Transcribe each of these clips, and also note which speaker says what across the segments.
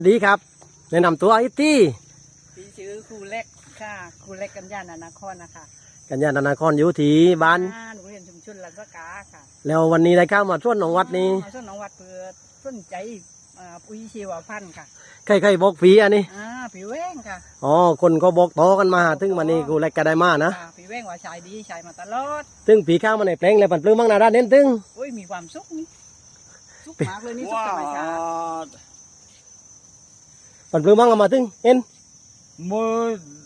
Speaker 1: ดีครับแนะนำตัวไอ้ตี้
Speaker 2: พี่ชื่อครูเล็กค่ะครูเล็กกัญญาณนครนะคะ
Speaker 1: กัญญาณนครอยู่ที่บ้าน
Speaker 2: โรงเรียนชุมชนลันสกาค่ะ
Speaker 1: แล้ววันนี้ได้เข้ามาช่วนของวัดนี้
Speaker 2: ส่วนน้องวัดเพื่อสนใจปุ๋ยชีวพันธุ์ค่ะ
Speaker 1: ใครบอกฟรีอันนี้
Speaker 2: ผีแว้งค่ะ
Speaker 1: อ๋อคนก็บอกต่อกันมาถึงวันนี้กูเล็กก็ได้มานะ
Speaker 2: ผีแว้งว่าชายดีชายมาตลอด
Speaker 1: ถึงผีข้าวมาในแปลงเลยปั่นปลื้มบ้างนาด้านเน้นตึง
Speaker 2: โอ้ยมีความสุขนี่สุขมากเลยนี่สุขธรรมชาติ
Speaker 1: ปั่นปลื้มบ้างเอามาถึงเห็น
Speaker 3: มือ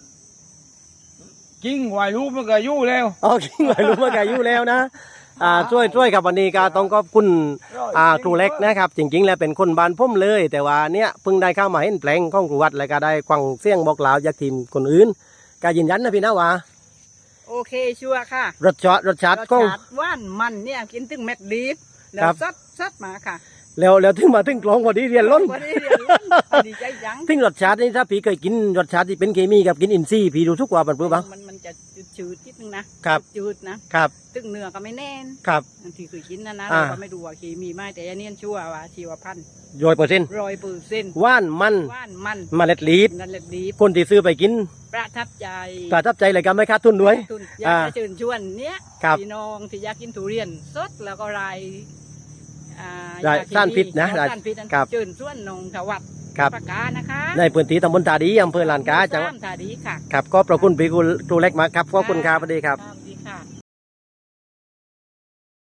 Speaker 3: จริงไหวรู้มันก็ยู่แล้ว
Speaker 1: อ๋อจริงไหวรู้มันก็อยู่แล้วนะช่วยกับวันนี้ก็ต้องขอบคุณครูเล็กนะครับจริงๆแล้วเป็นคนบ้านพุ่มเลยแต่ว่าเนี้ยเพิ่งได้เข้ามาเห็นแปลงของครูวัดแล้วก็ได้ควังเสียงบอกกล่าวจากทีมคนอื่นก็ยืนยันนะพี่นะว่า
Speaker 2: โอเคชัวร์ค่ะ
Speaker 1: รสชาติของ
Speaker 2: หวานมันเนี่ยกินตึงเม็ดลีฟแล้วซัดมาค่ะ
Speaker 1: แล้วถึงมาถึงกลองพอดีเรียนล้น
Speaker 2: ดีใจจัง
Speaker 1: ถึงรสชาตินี่ถ้าพี่เคยกินรสชาติที่เป็นเคมีกับกินอินทรีย์พี่รู้ทุกว่าปั่นปลื้มบ้าง
Speaker 2: มันจะจืดนิดนึงนะครับจืดนะครับตึงเนื้อก็ไม่แน่น
Speaker 1: ครับ
Speaker 2: ที่เคยกินนะเราก็ไม่ดูว่าเคมีไหมแต่อันนี้ชัวร์ว่าชีวพันธุ์
Speaker 1: 100%ว่านมันเมล็ดลีฟคนที่ซื้อไปกิน
Speaker 2: ประทับ
Speaker 1: ใจเลยก็ไม่ขาดทุนด้วย
Speaker 2: อยากจะเชิญชวนเนี้ยพี่น้องที่อยากกินทุเรียนสดแล้วก็
Speaker 1: ต้านพิษนะ
Speaker 2: เชิญชวนนงถวัดประกาศนะคะ
Speaker 1: ในพื้นที่ตำบลตาดีอำเภอลานกาจังหวัด
Speaker 2: ตาดีค่ะ
Speaker 1: ครับก็ประคุณพี่ครูเล็กมาครับขอบคุณครับสวัสดีครับ